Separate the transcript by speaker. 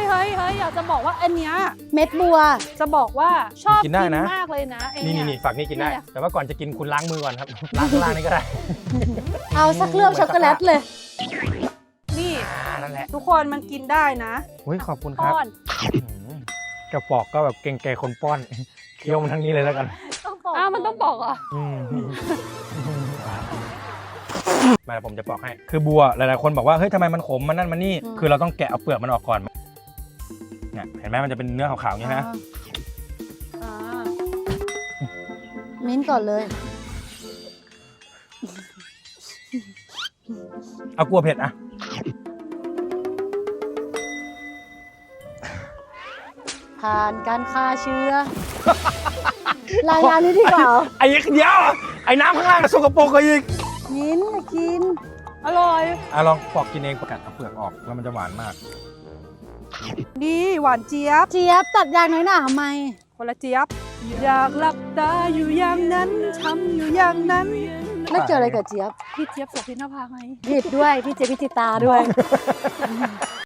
Speaker 1: อยากจะบอกว่าอันเนี้ย
Speaker 2: เม็ดบัว
Speaker 1: จะบอกว่าชอบ
Speaker 3: กินได้นะ
Speaker 1: มากเลยนะไอ้
Speaker 3: นี่
Speaker 1: เย
Speaker 3: นี่ฝักนี้กินได้
Speaker 1: เนี่ย
Speaker 3: แต่ว่าก่อนจะกินคุณล้างมือก่อนครับ ล้างข้างล่างนี่ก็ได้
Speaker 2: เอาสักเคลือบช็อกโกแลตเลย
Speaker 1: นี่
Speaker 3: นั่นแหละ
Speaker 1: ทุกคนมันกินได้นะ
Speaker 3: อุ้ยขอบคุณครับ
Speaker 1: ป้อน
Speaker 3: จะปอกก็แบบเก่งใจคนป้อน เคี้ยวมันทั้งนี้เลยแล้วกัน
Speaker 1: อ้าวมันต้องบอกเหรอ
Speaker 3: มาผมจะปอกให้ คือบัวหลายๆคนบอกว่าเฮ้ยทำไมมันขมมันนั่นมันนี่
Speaker 2: อืม
Speaker 3: คือเราต้องแกะเอาเปลือกมันออกก่อนเนี่ยเห็นไหมมันจะเป็นเนื้อขาวๆอย่างนี้นะ
Speaker 1: อ่า
Speaker 2: มิ้นท์ก่อนเลย
Speaker 3: เอากลัวเผ็ดอะ
Speaker 2: ผ่านการฆ่าเชื้อ รายงานนี้ดีกว่า
Speaker 3: ไอ้เดียวไอ้น้ำข้างล่างสกปรกกว่าอีก
Speaker 2: มิ้นท์กิน
Speaker 1: อร่อย
Speaker 3: ลองปอกกินเองประกัดเอาเปลือกออกแล้วมันจะหวานมาก
Speaker 1: ดีหวานเจี๊ยบ
Speaker 2: เจี๊ยบตัดยางน้อยหนาทำไม
Speaker 1: คนละเจี๊ยบ อยากหลับตาอยู่อย่างนั้นทำอยู่อย่างนั้น
Speaker 2: ไม่เกี่ยวอะไรกับเจี๊ยบ
Speaker 1: พี่เจี๊ยบโสภินภาไง
Speaker 2: ผิดด้วย พี่เจี๊ยบพิจิตาด้วย